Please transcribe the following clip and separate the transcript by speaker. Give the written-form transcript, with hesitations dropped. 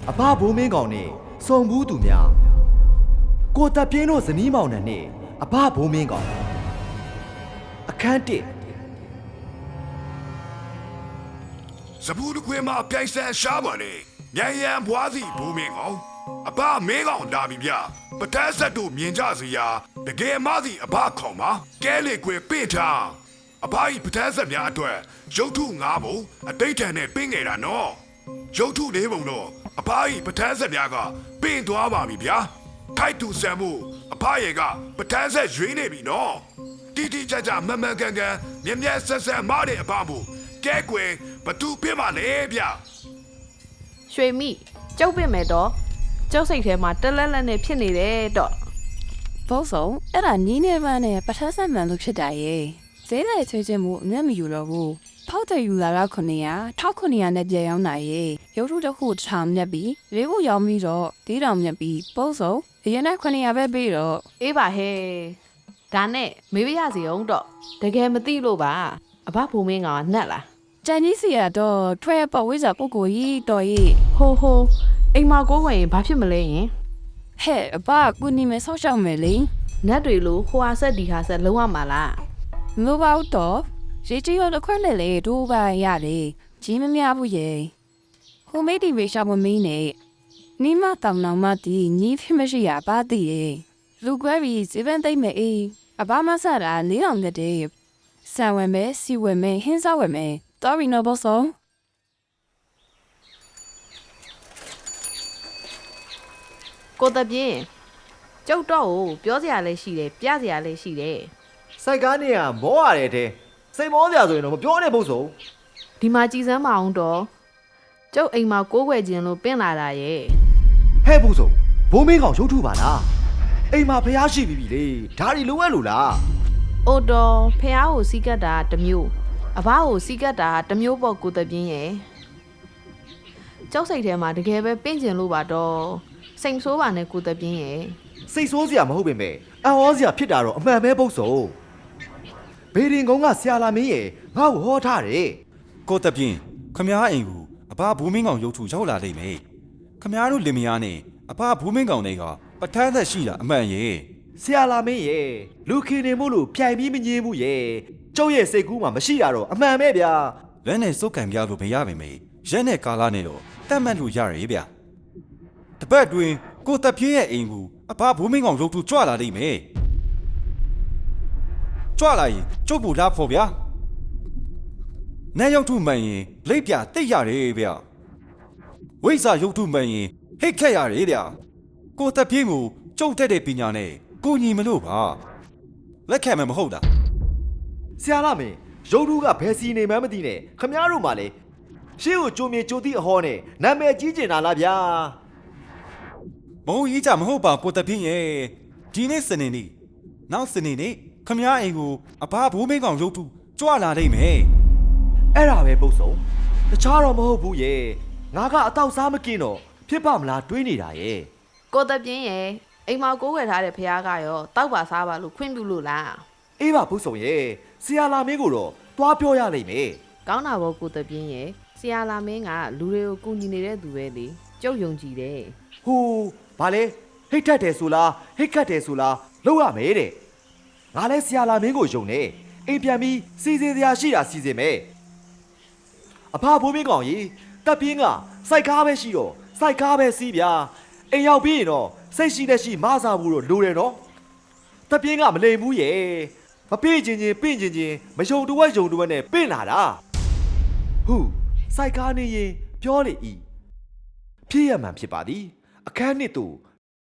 Speaker 1: အဘဘိုးမင်းကောင်နဲ့စုံဘူးသူများကိုတပ်ပြင်းတို့ဇနီးမောင်နှံနဲ့အဘဘိုးမင်းကောင်အခန်း1
Speaker 2: စပူးတခွေမှာပြိုင်ဆန်ရှားပါနဲ့မြန်ရန်ဘွားစီဘိုးမင်းကောင်အဘမင်းကောင်လာပြီဗျပထက်ဆက်တို့မြင်ကြစီရာတကယ်မစီအဘခေါင်ပါကဲလေခွေပင့်ထားအဘဤပထက်ဆက်များအတွက်ရုပ်ထု9ပုံအတိတ်တန်နဲ့ပင့်ငယ်တာနော်ရုပ်ထု4ပုံတော့အဘဤပထက်ဆက်များကပင့်သွားပါပြီဗျာထိုက်သူဆံမှုအဘရဲ့ကပထက်ဆက်ရွေးနေပြီနော်တီတီကြကြမမှန်ကန်ကန်မြက်မြက်ဆက်ဆက်မားတဲ့အဘမို့ကဲကွယ်ဘသူပြစ်ပါလဲဗျ
Speaker 3: ရွှေမိကျုပ်ပြစ်မယ်တော့ကျုပ်စိတ်ထဲမှာတက်လက်လက်နဲ့ဖြစ်နေတယ်တော့
Speaker 4: ဘုံဆုံးအဲ့ဒါနီးနေမှနဲ့ပထက်ဆက်မှန်လို့ဖြစ်တာရဲ့ဈေးလိုက်ချွေးချင်းမှုအမျက်မယူတော့ဘူးဖောက်တယ်ယူလာတော့1900နဲ့ပြန်ရောက်နိုင်ရဲ့ရုပ်ထုတစ်ခုထောင်မြက်ပြီးလေးခုရောက်ပြီးတော့ဒီတောင်မြက်ပြီးဘုံဆုံးအရင်က900ပဲပြီးတော့
Speaker 3: အေးပါဟဲ့ဒါနဲ့မေးပြရစီအောင်တော့တကယ်မသိလို့ပါအဘဘုံမင်းကနှက်လား
Speaker 4: ကျန်ကြီးစီကတော့ထွဲပေါ်ဝိဇ္ဇာပုဂ္ဂိုလ်ကြီးတော်ကြီး
Speaker 3: ဟိုအိမ်မကိုဝင်ဘာဖြစ်မလဲယင်
Speaker 4: ဟဲ့အဘကူနီမဲဆောက်ရှောက်မယ်လေ
Speaker 3: နတ်တွေလို့ဟိုဟာဆက်ဒီဟာဆက်လုံးဝမှာလား
Speaker 4: မလို့ပါတော့ရေကြီးရတော့ခွက်လေလေဒိုးပါရတယ်ကြီးမများဘူးရဲ့ဟိုမေးဒီဝေရှာမမင်းနဲ့နီမတောင်နောင်မတီညီဖြစ်မရှိရပါသေးရဲ့လူကွဲပြီးဇေဘန်သိမ့်မယ်အေးအဘမဆတာ4000တက်တဲ့ဆံဝဲမဲစီဝဲမဲဟင်းစားဝဲမဲတော်ရီနော်ဘောဆောင်
Speaker 3: ကိုတပြင်းကျုပ်တော့ကိုပြောစရာလည်းရှိတယ်ပြစရာလည်းရှိတယ်
Speaker 1: စိုက်ကားနေရမောရတယ်တဲ့စိတ်မောစရာဆိုရင်တော့မပြောနဲ့ဘုဆုံး
Speaker 3: ဒီမှာကြည်စမ်းမအောင်တော့ကျုပ်အိမ်မှာကိုးကွယ်ခြင်းလို့ပင့်လာတာရဲ့
Speaker 1: ဟဲ့ဘုဆုံးဘိုးမင်းကောင်ရုပ်ထုပါလားအိမ်မှာဖျားရှိပြီလေဒါတွေလုံးဝလို့လား
Speaker 3: အိုတော်ဖះကိုစီးကတ်တာတစ်မျိုးအဘကိုစီးကတ်တာတစ်မျိုးပေါ့ကိုတပြင်းရဲ့ကျောက်စိတ်ထဲမှာတကယ်ပဲပင့်ကျင်လို့ပါတော့စိတ်ဆိုးပါနဲ့ကိုတပြင်းရဲ့
Speaker 1: စိတ်ဆိုးစရာမဟုတ်ပေမဲ့အံ့ဩစရာဖြစ်တာတော့အမှန်ပဲပုတ်ဆုံးဘေဒင်ကုန်းကဆရာလာမင်းရဲ့ငါ့ကိုဟောထားတယ်
Speaker 5: ကိုတပြင်းခမားအိမ်ကိုအဘဘူးမင်းကောင်ရုပ်ထုရောက်လာလိမ့်မယ်ခမားတို့လင်မယားနဲ့အဘဘူးမင်းကောင်တွေကပထန်းသက်ရှိတာအမှန်ရဲ့
Speaker 1: ဆရာလာမင်းရဲ့လူခင်နေမို့လို့ပြိုင်ပြီးမငြင်းဘူးရဲ့ကျုပ်ရဲ့စိတ်ကူးမှာမရှိတာတော့အမှန်ပဲဗျာ
Speaker 5: လက်နဲ့စုပ်ကန်ပြလို့မရပါမယ်ရက်နဲ့ကာလာနဲ့တော့တတ်မှတ်လို့ရရဗျာတပတ်တွင်ကိုတပြင်းရဲ့အိမ်ကိုအဘဘူးမင်းကောင်ရုပ်ထုကြွလာလိမ့်မယ်ကြွလာရင်ကျုပ်ဘူးလားဖို့ဗျာနဲ့ရုပ်ထုမှန်ရင်လိပ်ပြတိတ်ရတယ်ဗျာဝိဇ္ဇာရုပ်ထုမှန်ရင်ဟိတ်ခက်ရတယ်ဗျာကိုတပြင်းကိုကျုပ်တက်တဲ့ပညာနဲ့ကိုညီမလို့ပါလက်ခံမယ်မဟုတ်တာ
Speaker 1: ဆရာလာမင်းရုပ်ထုကဘယ်စီနေမှန်းမသိနဲ့ခမားတို့မှလေရှေ့ကိုကြိုမြေကြိုတိအဟောနဲ့နာမည်ကြီးကျင်တာလားဗျာ
Speaker 5: မဟုတ်ကြီးကြမဟုတ်ပါကိုတပြင်းရဲ့ဒီနေ့စနေနေ့နောက်စနေနေ့ခမားအိမ်ကိုအဘဘိုးမင်းကောင်ရုပ်ထုကြွလာနိုင်မယ်
Speaker 1: အဲ့ဒါပဲပုတ်ဆုံးတခြားတော့မဟုတ်ဘူးရဲ့ငါကအတော့စားမกินတော့ဖြစ်ပါမလားတွေးနေတာရဲ့
Speaker 3: ကိုတပြင်းရဲ့အိမ်မှာကိုးကွယ်ထားတဲ့ဖះကရောတောက်ပါစားပါလို့ခွင့်ပြုလို့လား
Speaker 1: အေးပါပုတ်ဆုံးရဲ့ဆရာလာမင်းကိုတော့သွားပြောရလိမ့်မယ်
Speaker 3: ကောင်းတာပေါ့ကိုတပြင်းရဲ့ဆရာလာမင်းကလူတွေကိုကူညီနေတဲ့သူပဲလေကျုပ်ယုံကြည်တယ်
Speaker 1: ဟိုဘာလဲဟိတ်ထက်တယ်ဆိုလားဟိတ်ခတ်တယ်ဆိုလားလောက်ရမယ်တဲ့ငါလဲဆရာလာမင်းကိုယုံနေအိမ်ပြန်ပြီးစီစဉ်စရာရှိတာစီစဉ်မယ်အဖဘိုးမင်းကောင်ကြီးတပ်ပြင်းကစိုက်ကားပဲရှိတော့စိုက်ကားပဲစီးဗျာအိမ်ရောက်ပြီးရင်တော့စိတ်ရှိတဲ့ရှိမစားဘူးတော့လိုတယ်နော်တပ်ပြင်းကမလိမ်ဘူးရဲ့မပြေးချင်းပင့်ချင်းမယုံတဝက်ယုံတဝက်နဲ့ပင့်လာတာဟုတ်စိုက်ကားနေရင်ပြောလေဤဖြစ်ရမှန်ဖြစ်ပါသည်အခန်းနှစ်သူ